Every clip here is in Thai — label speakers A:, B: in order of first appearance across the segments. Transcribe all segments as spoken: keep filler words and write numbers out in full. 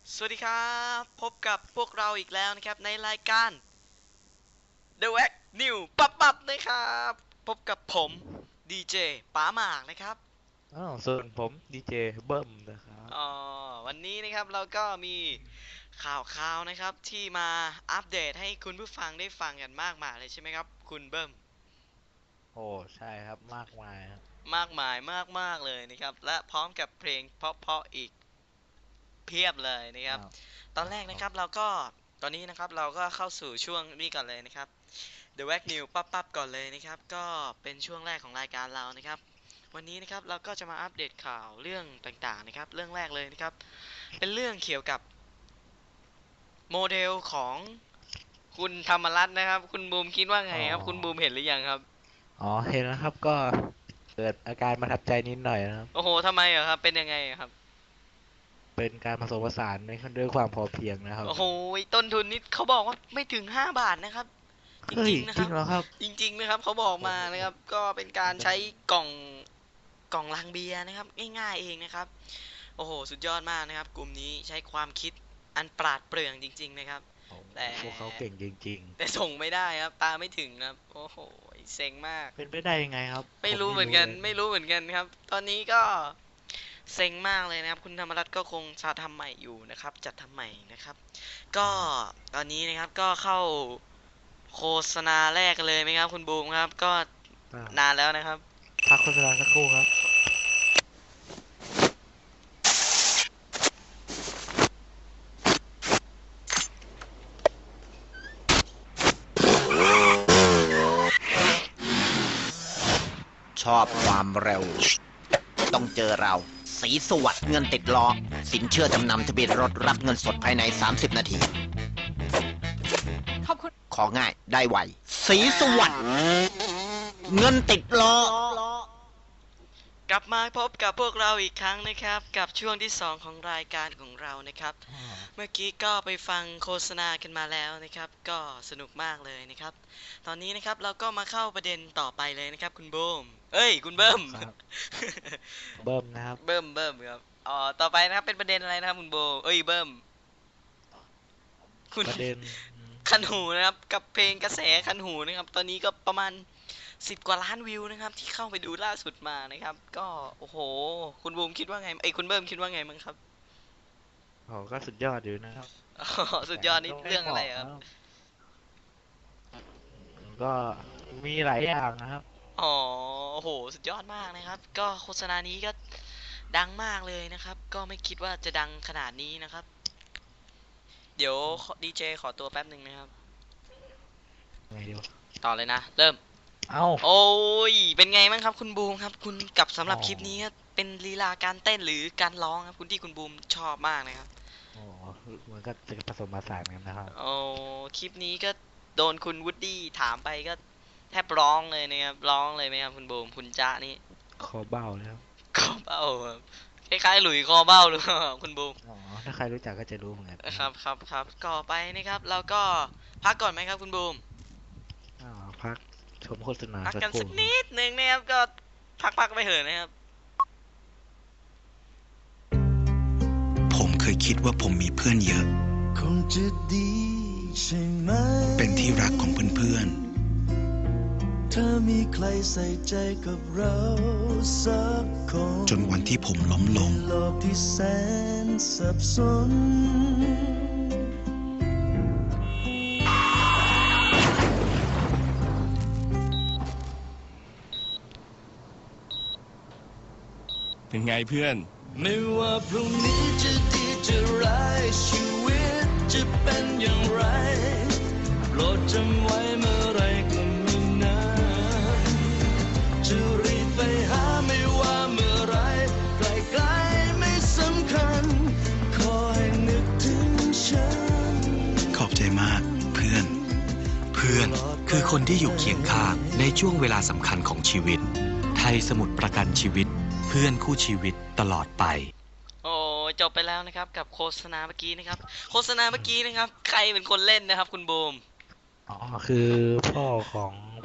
A: สวัสดีครับพบกับพวกเราอีกแล้วนะครับในรายการ The Wack New ปั๊บปั๊บนะครับพบกับผมดีเจป๋าหมากนะครับ
B: อ้าวส่วนผมดีเจเบิ้มนะครับ
A: อ๋อวันนี้นะครับเราก็มีข่าวข่าวนะครับที่มาอัปเดตให้คุณผู้ฟังได้ฟังกันมากมายเลยใช่ไหมครับคุณเบิ้ม
B: โอ้ใช่ครับมากมายครับ
A: มากมายมากมากเลยนะครับและพร้อมกับเพลงเพราะๆอีกเพียบเลยนะครับ
B: อ้าว
A: ตอนแรก
B: อ้าว
A: นะครับเราก็ตอนนี้นะครับเราก็เข้าสู่ช่วงนี้ก่อนเลยนะครับ The Wack New ปั๊บปั๊บก่อนเลยนะครับก็เป็นช่วงแรกของรายการเรานะครับวันนี้นะครับเราก็จะมาอัปเดตข่าวเรื่องต่างๆนะครับเรื่องแรกเลยนะครับเป็นเรื่องเกี่ยวกับโมเดลของคุณธรรมรัตน์นะครับคุณบูมคิดว่าไง
B: อ๋อ
A: ครับคุณบูมเห็นหรือยังครับ
B: อ๋อเห็นแล้วครับก็เกิดอาการประทับใจนิดหน่อยนะครับ
A: โอ้โหทำไมอะครับเป็นยังไงอะครับ
B: เป็นการผสมผสานในด้วยความพอเพียงนะครับ
A: โอ้โหต้นทุนนี่เขาบอกว่าไม่ถึงห้าบาทนะครับจ
B: เฮ้ย
A: ริงๆนะครับ
B: จริงเหรอครับ
A: จริงๆนะครับเขาบอก
B: โอ้โห
A: มานะครับก็เป็นการ
B: เป็น
A: ใช้กล่องกล่องลังเบียร์นะครับง่ายๆเองนะครับ โอ้โหสุดยอดมากนะครับกลุ่มนี้ใช้ความคิดอันปราดเปรื่องจริงๆนะครับ
B: โอ้โห
A: แต่
B: พวกเขาเก่งจริง
A: แต่ส่งไม่ได้ครับตามไม่ถึงนะครับโอ้โหเซ็งมาก
B: ๆเป็นไปได้ยังไงครับ
A: ไม่
B: ผม
A: รู้เหมือนกัน
B: ไม่รู้เลย
A: ไม่รู้เหมือนกันครับตอนนี้ก็เซ็งมากเลยนะครับคุณธรรมรัตน์ก็คงจะทำใหม่อยู่นะครับจัดทำใหม่นะครับก็
B: อ๋อ
A: ตอนนี้นะครับก็เข้าโฆษณาแรกกันเลยไหมครับคุณบูมครับก็
B: อ่า
A: นานแล้วนะครับ
B: พักโฆษณาสักครู่ครับ
C: ชอบความเร็วต้องเจอเราสีสวัสดิ์เงินติดล้อสินเชื่อจำนำทะเบียนรถรับเงินสดภายในสามสิบนาทีของ่ายได้ไวสีสวัสดิ์เงินติดล้อ
A: กลับมาพบกับพวกเราอีกครั้งนะครับกับช่วงที่สองของรายการของเรานะครับ
B: อ๋อ
A: เมื่อกี้ก็ไปฟังโฆษณากันมาแล้วนะครับก็สนุกมากเลยนะครับตอนนี้นะครับเราก็มาเข้าประเด็นต่อไปเลยนะครับคุณบูมเอ้ยคุณ
B: อ๋อ
A: เบิ้ม
B: ครับเบิ้มนะครับ
A: เบิ้มเบิ้มครับอ๋อต่อไปนะครับเป็นประเด็นอะไรนะครับคุณโบเอ้ยเบิ้มคุณ
B: ประเด็นอื
A: คัน
B: ม
A: หูนะครับกับเพลงกระแสคันหูนะครับตอนนี้ก็ประมาณสิบกว่าล้านวิวนะครับที่เข้าไปดูล่าสุดมานะครับก็โอ้โหคุณบูมคิดว่าไงไอ้ยคุณเบิ้มคิดว่าไงมั้งครับ
B: โอ้ก็สุดยอดอยู่นะครับ
A: อ๋อสุด
B: แต่
A: ยอดนี่
B: ก็ไม่
A: เรื่อง
B: เหมาะนะ
A: อะไรครับ
B: ก็มีหลายอย่างนะครับ
A: อ๋อโอ้โหสุดยอดมากนะครับก็โฆษณานี้ก็ดังมากเลยนะครับก็ไม่คิดว่าจะดังขนาดนี้นะครับเดี๋ยวดีเจขอตัวแป๊บหนึ่งนะครับ
B: ไงดีวะ
A: ต่อเลยนะเริ่ม
B: เอ้า
A: โอ้ยเป็นไงบ้างครับคุณบูมครับคุณกับสำห
B: อ๋อ
A: รับคลิปนี้ก็เป็นลีลาการเต้นหรือการร้องครับคุณที่คุณบูมชอบมากนะครับ
B: อ๋อมันก็จะผสมผสานกันนะครับ
A: โอ้คลิปนี้ก็โดนคุณวูดดี้ถามไปก็แทบร้องเลยนะครับร้องเลยไหมครับคุณบูมคุณจ๊ะนี่
B: คอเบ้าแล้ว
A: คอเบ้าครับคล้ายๆหลุยคอเบ้าหรือเปล่าคุณบูม
B: อ๋อถ้าใครรู้จักก็จะรู้เหมือนกันนะครับ
A: ครับครับครับก่อไปนะครับแล้วก็พักก่อนไหมครับคุณบูม
B: อ๋อพักชมโฆษณา
A: พัก
B: สัก
A: กันสักนิ
B: ครู่ครับ
A: ดหนึ่งนะครับก็พักๆไปเถอะนะครับ
D: ผมเคยคิดว่าผมมีเพื่อนเยอะ
E: คงจะดีใช่ไหม
D: เป็นที่รักของเพื่อน
E: ถ้ามีใครใส่ใจกับเราสักคน
D: ๆ จนวันที่ผมล้มลง
E: โลกที่แสนสับสน
F: เป็นไงเพื่อน
E: ไม่ว่าพรุ่งนี้จะดีจะร้ายชีวิตจะเป็นอย่างไรโปรดจำไว้เมื่อไรก็ไม่นานจะรีบไปหาไม่ว่าเมื่อไรไกลๆไม่สำคัญขอให้นึกถึงฉัน
D: ขอบใจมากเพื่อน เพื่อนคือคนที่อยู่เคียงข้างในช่วงเวลาสำคัญของชีวิต ไทยสมุทรประกันชีวิต เพื่อนคู่ชีวิตตลอดไป
A: โอ้จบไปแล้วนะครับกับโฆษณาเมื่อกี้นะครับโฆษณาเมื่อกี้นะครับใครเป็นคนเล่นนะครับคุณบูม
B: อ๋อคือพ่อของ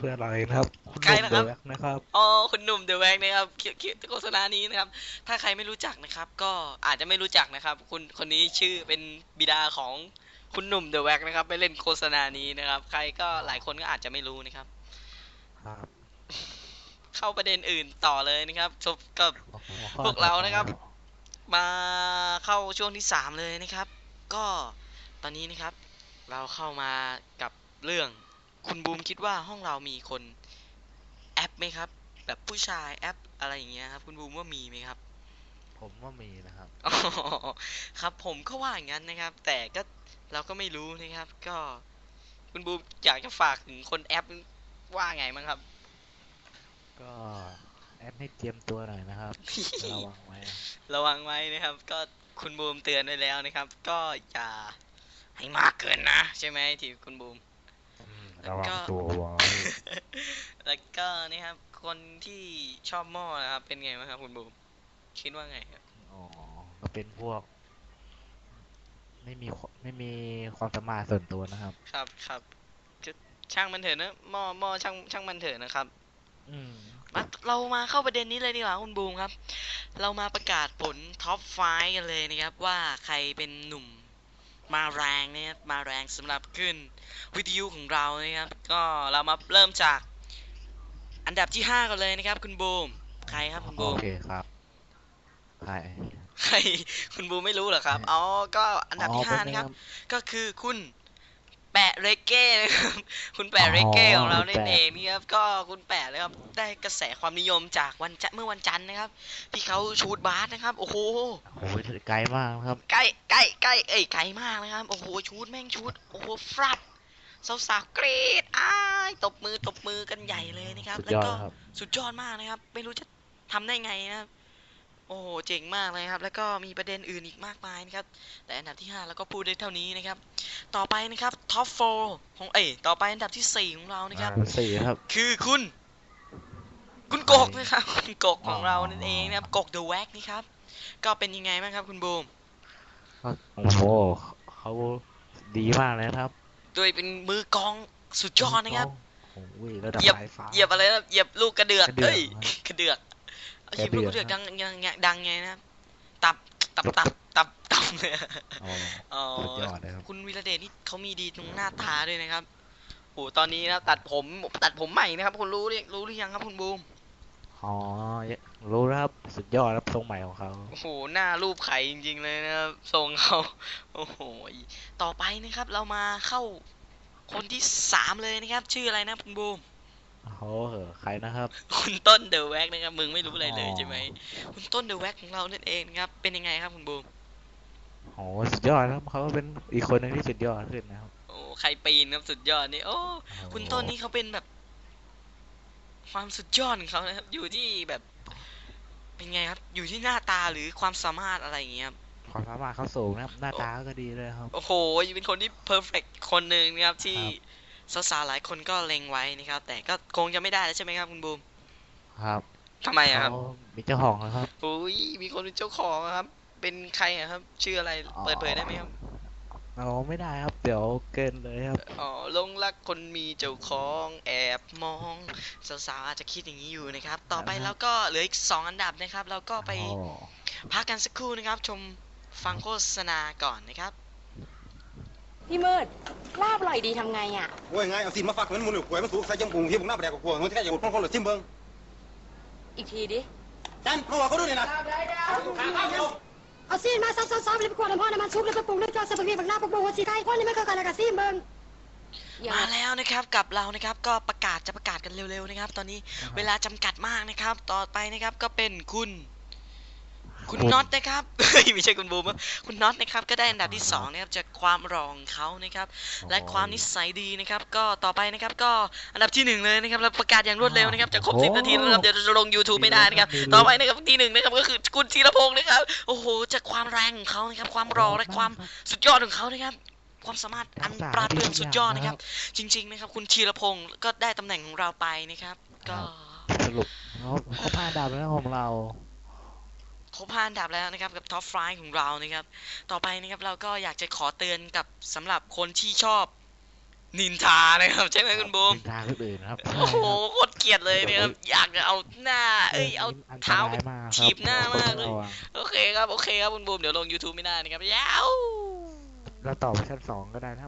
B: พื่อนเราเองนะครับคุณ
A: ใคร
B: หนุ่ม
A: นะครับ
B: เดอะแว็กนะครับ
A: อ๋อคุณหนุ่มเดอะแว็กนะครับคิดคิดโฆษณานี้นะครับ ถ้าใครไม่รู้จักนะครับ ก็อาจจะไม่รู้จักนะครับ คุณคนนี้ชื่อเป็นบิดาของคุณหนุ่มเดอะแว็กนะครับไปเล่นโฆษณานี้นะครับ ใครก็หลายคนก็อาจจะไม่รู้นะครับ
B: ครับ
A: เข้าประเด็นอื่นต่อเลยนะครับจบกับ
B: โอ้โห
A: พวกเรานะครับ มาเข้าช่วงที่สามเลยนะครับ ก็ตอนนี้นะครับ เราเข้ามากับเรื่องคุณบูมคิดว่าห้องเรามีคนแอปไหมครับ แบบผู้ชายแอปอะไรอย่างเงี้ยครับคุณบูมว่ามีไหมครับ
B: ผมว่ามีนะครับ
A: อ๋อครับผมก็ว่าอย่างนั้นนะครับ แต่ก็เราก็ไม่รู้นะครับ ก็คุณบูมอยากจะฝากถึงคนแอปว่าไงมั้งครับ
B: ก็แอดให้เตรียมตัวหน่อยนะครับ ระวังไว้นะ
A: ระวังไว้นะครับ ก็คุณบูมเตือนไว้แล้วนะครับ ก็อย่าให้มากเกินนะใช่ไหมที่คุณบูม
B: อืม
A: แล้ว
B: ระวั
A: ก็
B: งตัวไว้
A: แล้วก็นี่ครับ คนที่ชอบหม้อนะครับ เป็นไงบ้างครับคุณบูมคิดว่าไงครับ
B: อ๋อก็เป็นพวก ไม่มีควไม่มีความสามารถส่วนตัวนะครับ
A: ครับครับก็ช่างมันเถอะนะหม้อหม้อช่างช่างมันเถอะนะครับ
B: อืม
A: มาเรามาเข้าประเด็นนี้เลยดีกว่าคุณบูมครับ เรามาประกาศผลท็อปไฟว์กันเลยนะครับ ว่าใครเป็นหนุ่มมาแรงนะครับมาแรงสำหรับขึ้นวิทยุของเรานะครับ ก็เรามาเริ่มจากอันดับที่ห้ากันเลยนะครับ คุณบูมใครครับคุณบู
B: โอ
A: ม
B: เคครับใคร
A: ใครคุณบูมไม่รู้เหรอครับอ๋อก็อันดับที่ห้า
B: อ๋อเป็
A: นะครับ
B: ไง
A: ก็คือคุณแปะเรเก้นะครับ คุณแปะเรเก้
B: อ๋อ
A: ของเรา
B: คุณ
A: นั่น
B: แปะ
A: เองนี่ครับก็คุณแปะนะครับได้กระแสความนิยมจากวันจันทร์เมื่อวันจันทร์นะครับที่เขาชูดบาสนะครับโอ้โห
B: โอ้ยไกลมากนะครับ
A: ใกล้ใกล้ใกล้เอ้ยไกลมากนะครับโอ้โหชูดแม่งชูดโอ้โหฟรัดสาวๆกรี๊ดอ้ายตบมือตบมือกันใหญ่เลยนะครับ
B: สุด
A: แล้ว
B: ยอด
A: ก็
B: ครับ
A: สุดยอดมากนะครับ ไม่รู้จะทำได้ไงนะครับ โอ้โหเจ๋งมากเลยครับ แล้วก็มีประเด็นอื่นอีกมากมายนะครับ แต่อันดับที่ห้าแล้วก็พูดได้เท่านี้นะครับ ต่อไปนะครับท็อปโฟร์ของเอ้ยต่อไปอันดับที่สี่ของเรานะครับ
B: อ่าสี่ครับ
A: คือคุณ คุณกกนะครับ คุณกกของเรานั่นเองนะครับกกเดอะแว็กนี่ครับ ก็เป็นยังไงบ้างครับคุณบูม
B: ก็โอ้โหเขาดีมากเลยนะครับ
A: โดยเป็นมือกลองสุดยอดนะครับ
B: โอ้ยระดับ
A: เหยียบ
B: สายฟ้า
A: เหยียบอะไรนะเหยียบลูกกระเดือก
B: กระเดือก
A: เอ้ย
B: ครับ
A: กระเดือกเอาเหยียบ
B: กระ
A: ลู
B: เดื
A: ก
B: อก
A: กระเดือก
B: ครั
A: ดั
B: บ
A: งยังยังดังไงนะครับตับตับตับตับตับเนี่ย
B: อ๋อ
A: อ๋อ
B: สุดยอดเลยครับ
A: คุณวีระเดชนี่เขามีดีตรงหน้าตาด้วยนะครับโอ้ตอนนี้นะตัดผมตัดผมใหม่นะครับคุณรู้หรือรู้หรือยังครับคุณบูม
B: อ๋อรู้แล้วครับสุดยอดครับทรงใหม่ของเขา
A: โอ้โหหน้ารูปไข่จริงๆเลยนะครับทรงเขาโอ้โหต่อไปนะครับเรามาเข้าคนที่สามเลยนะครับ ชื่ออะไรนะคุณบูม
B: เขาเหอะใครนะครับ
A: คุณต้นเดอะแว็กนะครับมึงไม่รู้อะไรเลยใช่ไหมคุณต้นเดอะแว็กของเรานั่นเองนะครับเป็นยังไงครับคุณบูม
B: โอ้สุดยอดครับเขาเป็นอีกคนหนึงที่สุดยอดขึ้นนะครับ
A: โอ้ใครปีนครับสุดยอดนี่โอ้คุณต้นนี่เขาเป็นแบบ ความสุดยอดของเขานะครับ อยู่ที่แบบ เป็นไงครับ อยู่ที่หน้าตาหรือความสามารถอะไรอย่างเงี้ยครับ
B: ความสามารถเขาสูงนะครับ หน้าตาก็ดีเลยครับ
A: โอ้โหเป็นคนที่เพอร์เฟกคนหนึ่งนะครับที่
B: ครับ
A: สาวๆหลายคนก็เล็งไว้นะครับ แต่ก็คงจะไม่ได้แล้วใช่ไหมครับคุณบูม
B: ครับ
A: ทำไมอะครับ
B: เขามีเจ้าของแล้วครับ
A: อุ้ยมีคนเป็นเจ้าของอะครับ เป็นใครอะครับ ชื่ออะไรเปิดเผยได้ไหมครับ
B: เราไม่ได้ครับ เดี๋ยวเกินเลยครับ
A: อ๋อหลงรักคนมีเจ้าของแอบมองสาวๆอาจจะคิดอย่างนี้อยู่นะครับ ต่อไป
B: ครับ
A: แล้วก็เหลืออีกสองอันดับนะครับ เราก็ไป
B: โอ้
A: พักกันสักครู่นะครับ ชมฟังโฆษณาก่อนนะครับ
G: พี่มืดลาบอร่อยดีทำไงอ่ะ
H: โอ้ยไงเอาสินมาฝากเหมือนหมูหรือหวยมันสูงใส่จมูกที่ผมหน้าแดกกว่ามันที่แค่อย่างคนคนหรือซิมเบิง
G: อีกทีดิ
H: จันเขาบอกเขาดูนี่นะ
I: เอาซีนมาซับซ้อนๆเลยไปกวาดน้ำพ่อน้ำมันซุปเลยไปปรุงด้วยจอสปาเกตบักหน้าปรุงหัวสีไก่พ่อนี่ไม่เคยกันอะไรกับซีนเบิ้ง
G: อย่า
A: มาแล้วนะครับกับเรานะครับก็ประกาศจะประกาศกันเร็วๆนะครับ ตอนนี้เวลาจำกัดมากนะครับ ต่อไปนะครับก็เป็นคุณ คุณน็อตนะครับ เฮ้ยไม่ใช่คุณบูมครับคุณน็อตนะครับก็ได้อันดับที่สองนะครับจากความรองเขานะครับ และความนิสัยดีนะครับ ก็ต่อไปนะครับก็อันดับที่หนึ่งเลยนะครับเราประกาศอย่างรวดเร็วนะครับจะครบสิบนาทีแล้วนะครับเดี๋ยวจะลง YouTube ไม่ได้นะครับ ต่อไปนะครับที่หนึ่งนะครับก็คือคุณธีรพงศ์นะครับโอ้โหจากความแรงของเขานะครับ ความรอและความสุดยอดของเขานะครับ ความสามารถอันปราดเปรื่องสุดยอดนะครับ จริง ๆ นะครับ คุณธีรพงศ์ก็ได้ตำแหน่งของเราไปนะครับ ก็
B: สรุปเขาเขาพาดับแล้วของเรา
A: ครบห้าอันดับแล้วนะครับกับท็อปไฟว์ของเรานะครับ ต่อไปนะครับเราก็อยากจะขอเตือนกับสำหรับคนที่ชอบนินทานะครับใช่ไหมคุณบูม
B: นินทาคนอื่นครับ
A: โอ้โหโคตรเกลียดเลยเนี่ยครับอยากจะเอาหน้าเอ้ยเอา
B: นต
A: เท้าร ไป
B: ยมกครับ
A: ถีบหน้ามากเลย
B: ระวัง
A: โอเคครับโอเคครับคุณบูมเดี๋ยวลง YouTube ไม่ได้นะครับยาว
B: เราต่อไปชั้นสองก็ได้นะ